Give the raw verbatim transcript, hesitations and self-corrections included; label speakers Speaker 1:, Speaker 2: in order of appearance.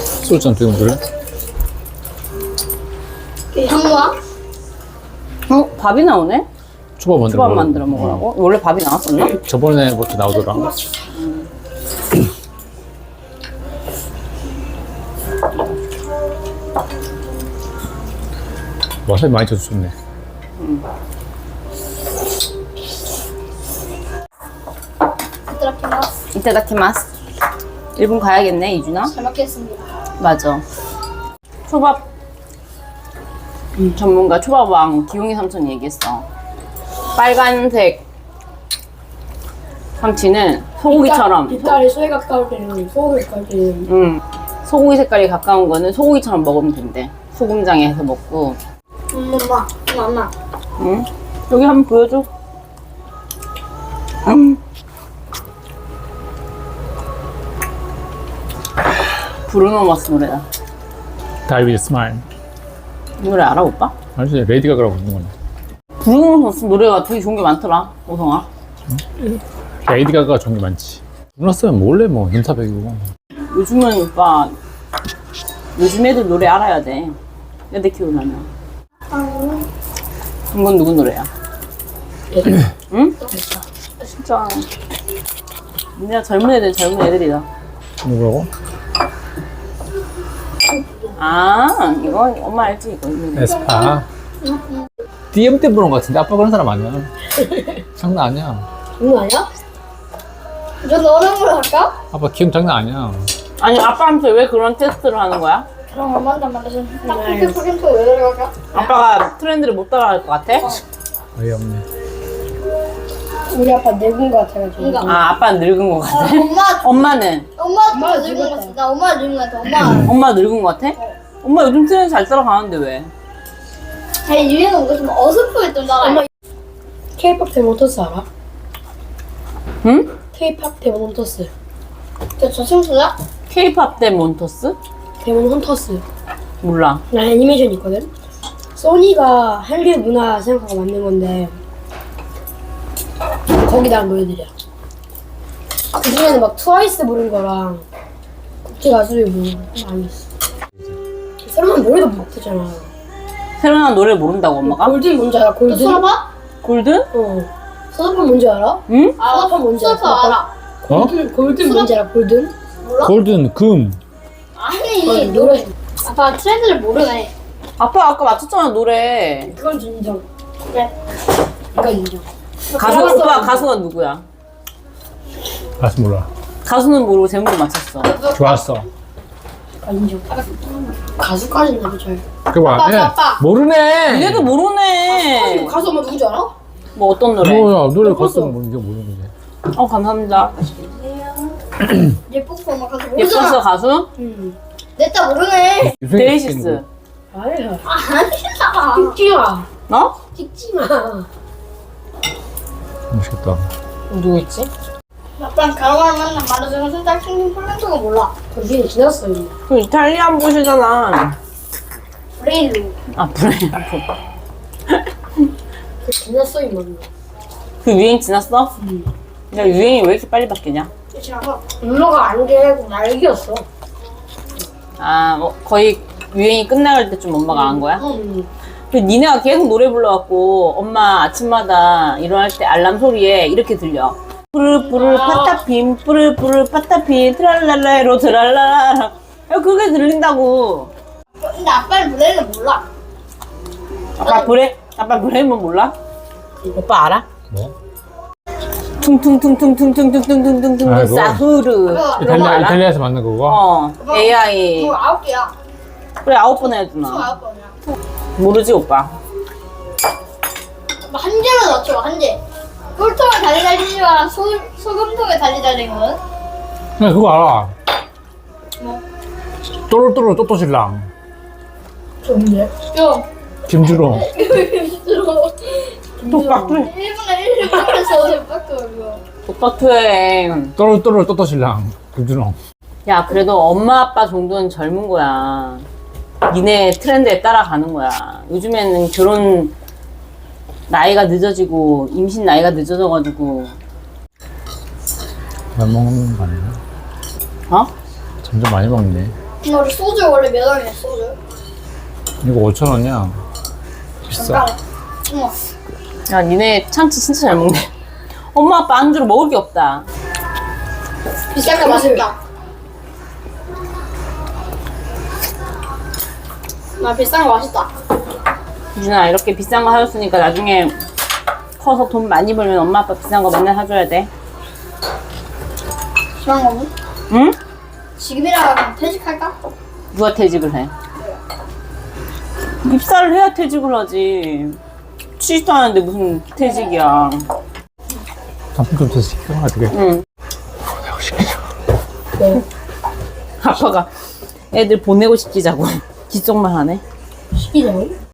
Speaker 1: 소주잔 두개 먹을래?
Speaker 2: 형아?
Speaker 3: 어? 밥이 나오네?
Speaker 1: 초밥 만들어
Speaker 3: 초밥
Speaker 1: 먹으려고.
Speaker 3: 만들어 먹으라고? 원래 밥이 나왔었나?
Speaker 1: 저번에부터 나오더라. 와사비 많이 쳐서 좋네.
Speaker 2: 이따라키마스.
Speaker 3: 이따다키마스. 일본 가야겠네, 이준아?
Speaker 2: 잘 먹겠습니다.
Speaker 3: 맞아. 초밥 음, 전문가 초밥왕 기용이 삼촌이 얘기했어. 빨간색 참치는 소고기처럼
Speaker 4: 빛깔이 소에 가까울 때는 소고기 가까울 때는
Speaker 3: 음, 소고기 색깔이 가까운 거는 소고기처럼 먹으면 된대. 소금장에 해서 먹고.
Speaker 2: 엄마, 엄마.
Speaker 3: 응? 여기 한번 보여줘. 음. 브루노 마스 노래다.
Speaker 1: 다이비드 스마일.
Speaker 3: 이 노래 알아, 오빠?
Speaker 1: 알지? 레이디 가가라고 부르는 건데.
Speaker 3: 브루노 마스 노래가 되게 좋은 게 많더라, 오성아.
Speaker 1: 레이디 가가 좋은 게 많지. 몰랐으면 몰래 뭐 눈타백이고.
Speaker 3: 요즘은 오빠, 요즘 애들 노래 알아야 돼. 애들 키우려면. 이건 누구 노래야? 응? 진짜. 진짜 젊은 애들, 젊은 애들이다.
Speaker 1: 뭐라고?
Speaker 3: 아, 이거 엄마 알지? 이거. 이거.
Speaker 1: 에스파. 디엠 때 부른 거 같은데 아빠 그런 사람 아니야. 장난 아니야.
Speaker 4: 장난 아니야?
Speaker 2: 저 너랑 걸 할까?
Speaker 1: 아빠 기억 장난 아니야.
Speaker 3: 아니, 아빠한테 왜 그런 테스트를 하는 거야?
Speaker 2: 그럼 엄마한테 만나서 딱 그렇게 프린트 왜 들어갈까?
Speaker 3: 아빠가 트렌드를 못 따라갈 것 같아?
Speaker 1: 어이없네.
Speaker 4: 우리 아빠 늙은 거 같아가지고
Speaker 2: 그러니까.
Speaker 3: 아, 아빠는 늙은 것 같아?
Speaker 2: 엄마,
Speaker 3: 엄마는?
Speaker 2: 엄마 늙은 거 같아. 나 엄마 늙은 거 같아. 엄마.
Speaker 3: 엄마 늙은 것 같아? 엄마 요즘 트렌드 잘 따라가는데 왜?
Speaker 2: 아니 유행은 뭔가 좀 어설프게 좀 나가.
Speaker 4: 엄마 K-팝 데몬터스 알아?
Speaker 3: 응?
Speaker 4: K-팝 데몬 헌터스
Speaker 2: 저 저승수야?
Speaker 3: K-팝 대 몬토스?
Speaker 4: 데몬 헌터스
Speaker 3: 몰라.
Speaker 4: 나 애니메이션 있거든? 소니가 한류 문화 생각하고 만든 건데 거기 나온 노래들이야. 그 중에는 막 트와이스 부른 거랑 국제 가수들 부른 거 많이 있어. 새로운 노래도 못하잖아.
Speaker 3: 새로 나온 노래를 모른다고 엄마가?
Speaker 4: 골든 뭔지 알아?
Speaker 2: 너
Speaker 4: 골든?
Speaker 2: 수아봐?
Speaker 3: 골든?
Speaker 4: 어. 서다판 뭔지 알아?
Speaker 3: 응?
Speaker 2: 아,
Speaker 4: 수아파 뭔지 알아?
Speaker 2: 수아파 알아.
Speaker 1: 어?
Speaker 4: 골든, 골든 뭔지 알아? 골든?
Speaker 2: 몰라?
Speaker 1: 골든 금.
Speaker 2: 아니
Speaker 4: 어, 노래
Speaker 2: 아빠 트렌드를 모르네.
Speaker 3: 아빠 아까 맞췄잖아, 노래.
Speaker 4: 그건 인정.
Speaker 2: 그래.
Speaker 4: 이건 인정.
Speaker 3: 가수, 오빠 가수가 누구야?
Speaker 1: 가수 몰라.
Speaker 3: 가수는 모르고 제목을 맞췄어.
Speaker 1: 좋았어.
Speaker 4: 아, 인정. 가수까지는 나도 잘.
Speaker 1: 그거 봐.
Speaker 2: 아빠, 아빠.
Speaker 1: 모르네.
Speaker 3: 얘도 모르네.
Speaker 4: 가수 엄마 누군지 알아?
Speaker 3: 뭐 어떤 노래?
Speaker 1: 뭐야 노래
Speaker 4: 모르겠어.
Speaker 1: 가수는 뭐 이게 모르는 거지.
Speaker 3: 어, 감사합니다.
Speaker 2: 예쁘고 엄마 가서
Speaker 3: 예뻤어,
Speaker 2: 모르잖아.
Speaker 3: 가수?
Speaker 4: 응.
Speaker 2: 냈다 모르네.
Speaker 3: 데이시스.
Speaker 4: 아니야.
Speaker 2: 아니야.
Speaker 4: 찍지 마.
Speaker 3: 어?
Speaker 4: 찍지 마.
Speaker 1: 맛있겠다.
Speaker 3: 누구 있지?
Speaker 2: 아빠랑 가로가로 만나 말해주는 순간 킹킹 플랜트가 몰라.
Speaker 4: 그 위에 지났어 이미.
Speaker 3: 그 이탈리안 보시잖아.
Speaker 2: 브레일로.
Speaker 3: 아, 그래.
Speaker 4: 그 지났어 이미.
Speaker 3: 그 유행 지났어?
Speaker 4: 응.
Speaker 3: 야, 유행이 왜 이렇게 빨리 바뀌냐?
Speaker 2: 지나서.
Speaker 4: 엄마가 안개고 날개였어.
Speaker 3: 아, 뭐 거의 유행이 끝나갈 때쯤 엄마가 안 거야?
Speaker 4: 응.
Speaker 3: 근데 니네가 계속 노래 불러갖고 엄마 아침마다 일어날 때 알람 소리에 이렇게 들려. 뿌르뿌르 파타핀 뿌르뿌르 파타핀 트랄랄라로 트랄랄라. 야, 그게 들린다고.
Speaker 2: 근데 아빠는 브레일을 몰라.
Speaker 3: 아빠 브레 아빠 브레이먼 몰라? 오빠 알아?
Speaker 1: 뭐?
Speaker 3: 퉁퉁퉁퉁퉁퉁퉁퉁퉁퉁퉁
Speaker 1: 아이고.
Speaker 3: 사후르.
Speaker 2: 그거
Speaker 3: 그런 거
Speaker 1: 이탈리아
Speaker 3: 알아?
Speaker 1: 이탈리아에서 만든 거고.
Speaker 3: 어, 에이아이.
Speaker 2: 그거 아홉 개야.
Speaker 3: 그래, 아홉 번
Speaker 2: 총
Speaker 3: 해주나.
Speaker 2: 아홉 번이야.
Speaker 3: 모르지, 오빠.
Speaker 2: 한 개만 넣죠, 한 개. 꿀통에 달리 달리지만 소, 소금통에 달리 달리거든?
Speaker 1: 나 그거 알아.
Speaker 2: 뭐?
Speaker 1: 또로또로 또또신랑.
Speaker 4: 좋은데?
Speaker 2: 좀.
Speaker 1: 김주로.
Speaker 3: 똑바투.
Speaker 2: 일분에 일분에서 밖에 이거.
Speaker 3: 똑바투해.
Speaker 1: 또로또로 또또신랑. 김주로.
Speaker 3: 야, 그래도 엄마 아빠 정도는 젊은 거야. 니네 트렌드에 따라가는 거야. 요즘에는 결혼 나이가 늦어지고 임신 나이가 늦어져가지고.
Speaker 1: 잘 먹는 거 아니야?
Speaker 3: 어?
Speaker 1: 점점 많이 먹네.
Speaker 2: 근데 우리 소주 원래 몇 원이야 소주?
Speaker 1: 이거 오천 원이야. 비싸.
Speaker 2: 어머.
Speaker 3: 야, 니네 참치 진짜 잘 먹네. 엄마 아빠 안주로 먹을 게 없다.
Speaker 2: 비싼 거 맛있다. 나 비싼 거 맛있다.
Speaker 3: 유진아, 이렇게 비싼 거 사줬으니까 나중에 커서 돈 많이 벌면 엄마 아빠 비싼 거 맨날 사줘야 돼.
Speaker 2: 비싼 거는?
Speaker 3: 응?
Speaker 2: 지금이라 그냥 퇴직할까?
Speaker 3: 누가 퇴직을 해? 입사를 해야 퇴직을 하지. 취직도 하는데 무슨 퇴직이야.
Speaker 1: 단품 좀 더 시켜. 어떻게?
Speaker 3: 응.
Speaker 1: 내가 시키죠.
Speaker 3: 아빠가 애들 보내고 시키자고. 기쪽만 하네.
Speaker 4: 시키자고?